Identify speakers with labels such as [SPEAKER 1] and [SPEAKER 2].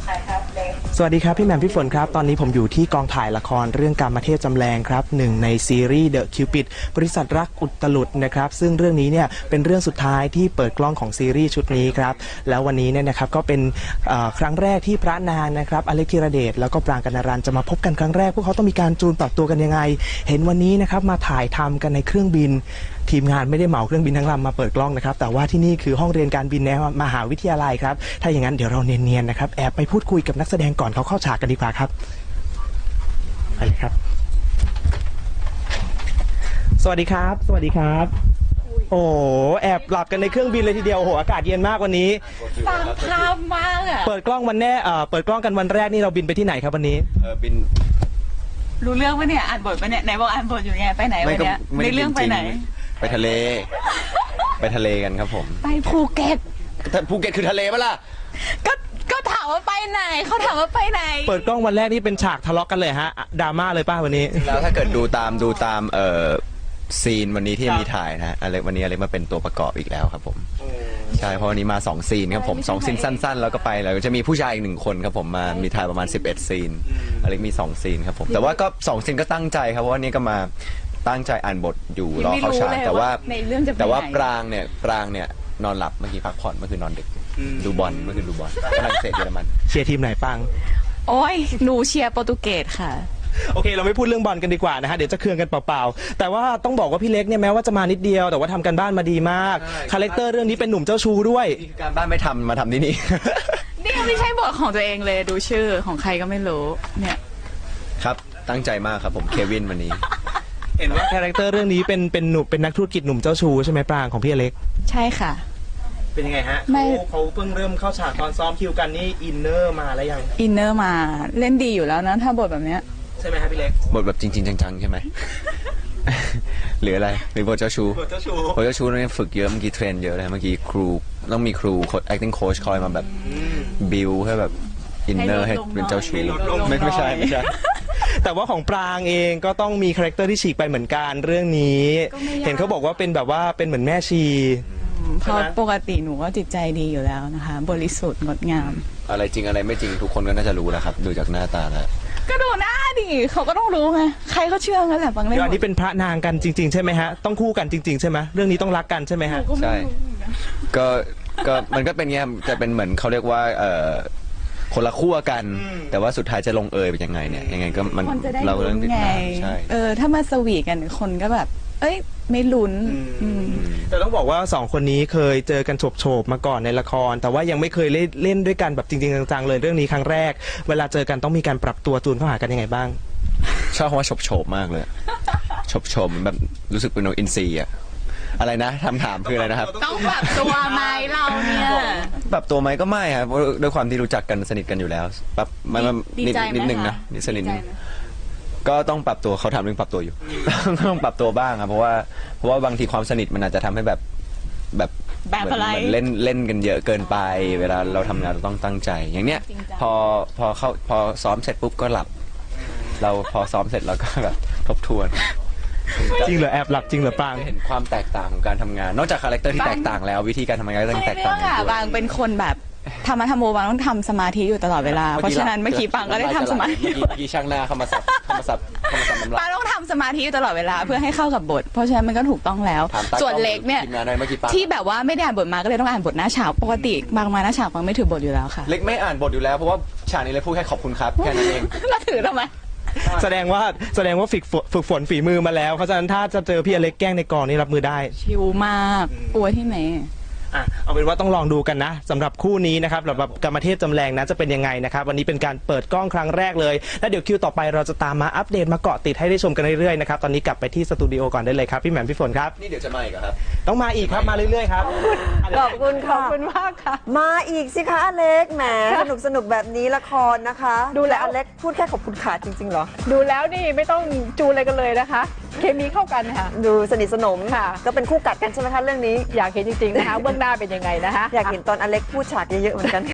[SPEAKER 1] สวัสดีครับพี่แหม่มพี่ฝนครับตอนนี้ผมอยู่ที่กองถ่ายละครเรื่องกามเทพจำแรงครับหนึ่งในซีรีส์เดอะคิวปิดบริษัทรักอุตลุดนะครับซึ่งเรื่องนี้เนี่ยเป็นเรื่องสุดท้ายที่เปิดกล้องของซีรีส์ชุดนี้ครับแล้ววันนี้เนี่ยนะครับก็เป็นครั้งแรกที่พระนางนะครับอเล็กธีรเดชแล้วก็ปรางกัณรันจะมาพบกันครั้งแรกพวกเขาต้องมีการจูนปรับตัวกันยังไงเห็นวันนี้นะครับมาถ่ายทำกันในเครื่องบินทีมงานไม่ได้เหมาเครื่องบินทั้งลำมาเปิดกล้องนะครับแต่ว่าที่นี่คือห้องเรียนการบินในมหาวิทยาลัยครับถ้าอย่างนั้นเดี๋ยวเราเนียนๆนะครับแอบไปพูดคุยกับนักแสดงก่อนเขาเข้าฉากกันดีกว่าครับไปเลยครับสวัสดีครับสวัสดีครับโอ้แอบหลับกันในเครื่องบินเลยทีเดียวโอ้โหอากาศเย็นมากวันนี้
[SPEAKER 2] ตามภาพมากอะ
[SPEAKER 1] เปิดกล้องวันแน่เปิดกล้องกันวันแรกนี่เราบินไปที่ไหนครับวันนี้
[SPEAKER 3] บิน
[SPEAKER 2] รู้เรื่องปะเนี่ยอ่านบทปะเนี่ยไหนบอกอ่านบทอยู่ไงไปไหนวันเนี้ยในเรื่องไปไหน
[SPEAKER 3] ไปทะเลไปทะเลกันครับผม
[SPEAKER 2] ไปภูเก็ต
[SPEAKER 3] ภูเก็ตคือทะเลปะล่ะ
[SPEAKER 2] ก็ถามว่าไปไหนเขาถามว่าไปไหน
[SPEAKER 1] เปิดกล้องวันแรกนี่เป็นฉากทะเลาะกันเลยฮะดราม่าเลยป้าวันนี้
[SPEAKER 3] แล้วถ้าเกิดดูตามซีนวันนี้ที่มีถ่ายนะอะไรวันนี้อะไรมาเป็นตัวประกอบอีกแล้วครับผมใช่เพราะวันนี้มา2ซีนครับผม2ซีนสั้นๆแล้วก็ไปแล้วจะมีผู้ชายอีก1คนครับผมมามีถ่ายประมาณ11ซีนอะไรมี2ซีนครับผมแต่ว่าก็2ซีนก็ตั้งใจครับเพราะว่านี้ก็มาตั้งใจอ่านบทอยู่รอเข้าฉากแต่ว่าปรางเนี่ยนอนหลับเมื่อกี้พักผ่อนเมื่อคืนนอนดึกดูบอลเมื่อคืนดูบอลฝรั่งเศสเยอรมัน
[SPEAKER 1] เชียร์ทีมไหนปัง
[SPEAKER 2] โอ้ยหนูเชียร์โปรตุเกสค่ะ
[SPEAKER 1] โอเคเราไม่พูดเรื่องบอลกันดีกว่านะฮะเดี๋ยวจะเคืองกันเปล่าๆแต่ว่าต้องบอกว่าพี่เล็กเนี่ยแม้ว่าจะมานิดเดียวแต่ว่าทำกันบ้านมาดีมากคาแรคเตอร์เรื่องนี้เป็นหนุ่มเจ้าชู้ด้วย
[SPEAKER 3] การบ้านไม่ทำมาทำที่นี่
[SPEAKER 2] นี่ไม่ใช่บทของตัวเองเลยดูชื่อของใครก็ไม่รู้เนี่ย
[SPEAKER 3] ครับตั้งใจมากครับผมเควินวันนี้
[SPEAKER 1] เห็นว่าคาแรคเตอร์เรื่องนี้เป็นหนุ่มเป็นนักธุรกิจหนุ่มเจ้าชู้ใช่ไหมปรางของพี่เล็ก
[SPEAKER 2] ใช่ค่ะ
[SPEAKER 1] เป็นยังไงฮะเขาเพิ่งเริ่มเข้าฉากตอนซ้อมคิวกันนี่อินเนอร์มาแล้วยัง
[SPEAKER 2] อินเนอร์มาเล่นดีอยู่แล้วนะถ้าบทแบบเนี้ย
[SPEAKER 1] ใช่ไหมครับพี่เล็ก
[SPEAKER 3] บทแบบจริงๆจังๆใช่ไหม หรืออะไรหรือบทเจ้าชู้บทเจ้าชู้นี่ฝึกเยอะเมื่อกี้เทรนเยอะเลยเมื่อกี้ครูต้องมีครู acting coach คอยมาแบบบิวให้แบบอินเนอร์ให้เป็นเจ้าชู้ไม่ใช่
[SPEAKER 1] แต่ว่าของปรางเองก็ต้องมีคาแรคเตอร์ที่ฉีกไปเหมือนกันเรื่องนี้เห็นเขาบอกว่าเป็นแบบว่าเป็นเหมือนแม่ชี
[SPEAKER 2] เพราะปกติหนูก็จิตใจดีอยู่แล้วนะคะบริสุทธิ์งดงาม
[SPEAKER 3] อะไรจริงอะไรไม่จริงทุกคนก็น่าจะรู้นะครับดูจากหน้าตาแล้ว
[SPEAKER 2] ก็ดูหน้าดิเขาก็ต้องรู้ไงใครก็เชื่อกันแหละบางเรื่อง
[SPEAKER 1] อันนี้เป็นพระนางกันจริงๆใช่ไหมฮะต้องคู่กันจริงๆใช่ไหมเรื่องนี้ต้องรักกันใช่ไหมฮะ
[SPEAKER 3] ใช่ก็มันก็เป็นเงี้ยจะเป็นเหมือนเขาเรียกว่าคนละขั้วกันแต่ว่าสุดท้ายจะลงเอยเป็นยังไงเนี่ยยังไงก็มันเราเรื่องติดตามใช่
[SPEAKER 2] ถ้ามาสวีกันคนก็แบบเอ้ยไม่ลุ้น
[SPEAKER 1] แต่ต้องบอกว่า2คนนี้เคยเจอกันโฉบๆมาก่อนในละครแต่ว่ายังไม่เคยเล่นด้วยกันแบบจริงๆจังๆเลยเรื่องนี้ครั้งแรกเวลาเจอกันต้องมีการปรับตัวจูนเข้าหากันยังไงบ้าง
[SPEAKER 3] ชอบคำว่าโฉบมากเลยโฉบแบบรู้สึกเป็นนกอินทรีอะอะไรนะถามคืออะไรนะครับ
[SPEAKER 2] ต้องปรับตัวไหมเราเนี่ย
[SPEAKER 3] ปรับตัวไหมก็ไม่ครับด้วยความที่รู้จักกันสนิทกันอยู่แล้วปรับมันนิดนึงนะนิดสนิทก็ต้องปรับตัวเขาทำเรื่องปรับตัวอยู่ต้องปรับตัวบ้างครับเพราะว่าบางทีความสนิทมันอาจจะทำให้แบบเหมือนเล่นกันเยอะเกินไปเวลาเราทำงานเราต้องตั้งใจอย่างเนี้ยพอซ้อมเสร็จปุ๊บก็หลับเราพอซ้อมเสร็จเราก็แบบทบทวน
[SPEAKER 1] จริงเหรอแอบหลับจริงเหรอปาง
[SPEAKER 3] เห็นความแตกต่างของการทำงานนอกจากคาแรคเตอร์ที่แตกต่างแล้ววิธีการทำงานก็ต้องแตกต่าง
[SPEAKER 2] บางเป็นคนแบบธรรมบางต้องทำสมาธิอยู่ตลอดเวลาเพราะฉะนั้นเมื่อกี้ปังก็ได้ทำสมาธิ
[SPEAKER 3] เมื่อกี้ช่างหน้าเข้ามาสับ
[SPEAKER 2] ปังต้องทำสมาธิอยู่ตลอดเวลาเพื่อให้เข้ากับบทเพราะฉะนั้นมันก็ถูกต้องแล้วส่วนเล็กเนี่ยที่แบบว่าไม่ได้อ่านบทมาก็เลยต้องอ่านบทหน้าฉากปกติบางมาหน้าฉากปังไม่ถือบทอยู่แล้วค่ะ
[SPEAKER 3] เล็กไม่อ่านบทอยู่แล้วเพราะว่าฉากนี้เลยพูดแค่ขอบคุณครับแค่นั้นเอง
[SPEAKER 2] แล้วถือทำไม
[SPEAKER 1] แสดงว่าฝึกฝนฝีมือมาแล้วเพราะฉะนั้นถ้าจะเจอพี่อเล็กแกล้งในกองนี่รับมือได้
[SPEAKER 2] ชิวมากกลัวที่ไหน
[SPEAKER 1] เอาเป็นว่าต้องลองดูกันนะสำหรับคู่นี้นะครับสำหรับกามเทพจำแรงนะจะเป็นยังไงนะครับวันนี้เป็นการเปิดกล้องครั้งแรกเลยแล้วเดี๋ยวคิวต่อไปเราจะตามมาอัปเดตมาเกาะติดให้ได้ชมกันเรื่อยๆนะครับตอนนี้กลับไปที่สตูดิโอก่อนได้เลยครับพี่แหม่มพี่ฝนครับ
[SPEAKER 3] นี่เดี๋ยวจะมาอีกครับ
[SPEAKER 1] ต้องมาอีกครับมาเรื่อยๆครับ
[SPEAKER 4] ขอบคุณ
[SPEAKER 2] ขอบคุณมากค่ะ
[SPEAKER 4] มาอีกสิคะอเล็กแหมสนุกแบบนี้ละครนะคะดูแล้วอเล็กพูดแค่ขอบคุณขาจริงๆเหรอ
[SPEAKER 5] ดูแล้วนี่ไม่ต้องจูนอะไรกันเลยนะคะเคมีเข้ากันค่ะ
[SPEAKER 4] ดูสนิทสนมค่ะก็เป็นคู่กัดกันใช่ไหมคะเรื่องนี้
[SPEAKER 5] อยากเห็นจริงๆนะคะเบื้องหน้าเป็นยังไงนะคะ
[SPEAKER 4] อยากเห็นตอนอเล็กพูดฉากเยอะๆเหมือนกัน